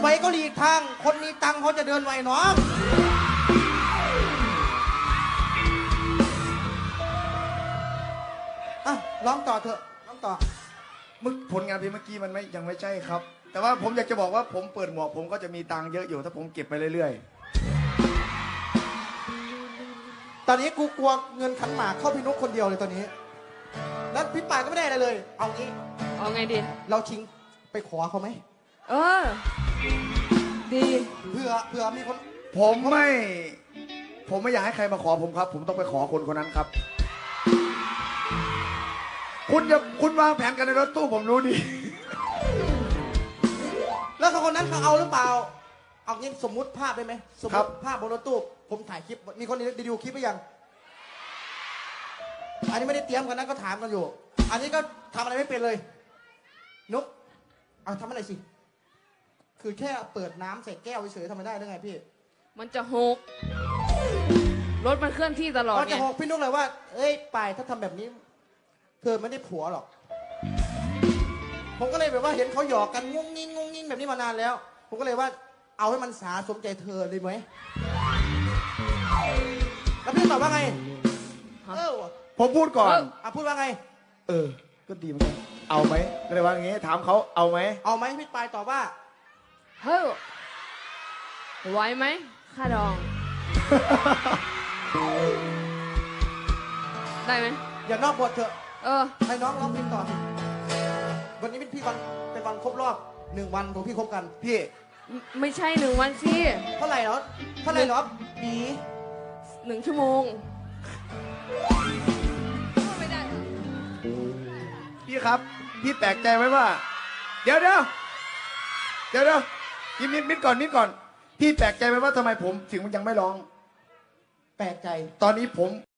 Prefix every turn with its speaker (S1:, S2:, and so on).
S1: ไวก็หลีกทางคนมีตังค์เขาจะเดินไวน้องอ่ะร้องต่อเถอะร้องต่อ
S2: ผลงานเพลงเมื่อกี้มันยังไม่ใช่ครับ แต่ว่าผมอยากจะบอกว่าผมเปิดหมวกผมก็จะมีตังค์เยอะอยู่ถ้าผมเก็บไปเรื่อย
S1: ตอนนี้กูกลัวเงินขันหมากเข้าพี่นุ๊กคนเดียวเลยตอนนี้แล้วพี่ป่ายก็ไม่ได้อะไรเลย เอางี้
S3: เอาไงดี
S1: เราชิงไปขอเขาไหม
S3: เออ ดี
S1: เผื่อมีคน
S2: ๆผมไม่อยากให้ใครมาขอผมครับ ผมต้องไปขอคนคนนั้นครับ คุณวางแผนกันในรถตู้ผมรู้ดี
S1: แล้วคนนั้นเขาเอาหรือเปล่า เอางี้สมมุติภาพได้ไหมสมมติภาพบนรถตู้ผมถ่ายคลิปมีคนได้ดูคลิปหรือยังอันนี้ไม่ได้เตรียมกันนะก็ถามกันอยู่ อันนี้ก็ทำอะไรไม่เป็นเลยนุ๊กเอาทำอะไรสิคือแค่เปิดน้ำใส่แก้วเฉยๆทำไม่ได้ได้ไงพี่
S3: มันจะหก รถมันเคลื่อนที่ตลอด
S1: ก็
S3: ไง
S1: จะบอกพี่นุ๊กเลยว่าเอ้ยป่ายถ้าทำแบบนี้เธอไม่ได้ผัวหรอกผมก็เลยแบบว่าเห็นเขาหยอกกันงุ้งงิ้งแบบนี้มานานแล้วผมก็เลยว่าเอาให้มันสาสมใจเธอเลยไหมแล้วพี่ตอบว่าไงว่ะ
S2: ผมพูดก่อน
S1: พูดว่าไง
S2: ก็ดีเหมือนกันเอาไหมก็เลยว่าอย่างงี้ถามเขาเอาไหม
S1: เอาไหมพี่ปายตอบว่า
S3: เฮ้ยไหวไหมค่าดอง ได้ไหม
S1: อย่านอกบทเถอะ
S3: เออ
S1: ให้น้องร้องเพลงต่อสิวันนี้เป็นวันครบรอบ1 วันของพี่คบกัน
S2: พี่
S3: ไม่ใช่1 วันสิ
S1: เท่าไหร่เหรอปี
S3: 1 ชั่วโมง ไม่ได้
S2: พี่ครับ พี่แปลกใจไหมว่า เดี๋ยวยิ้มนิดก่อนพี่แปลกใจไหมว่าทำไมผมถึงยังไม่ร้อง
S1: แปลกใจ
S2: ตอนนี้ผม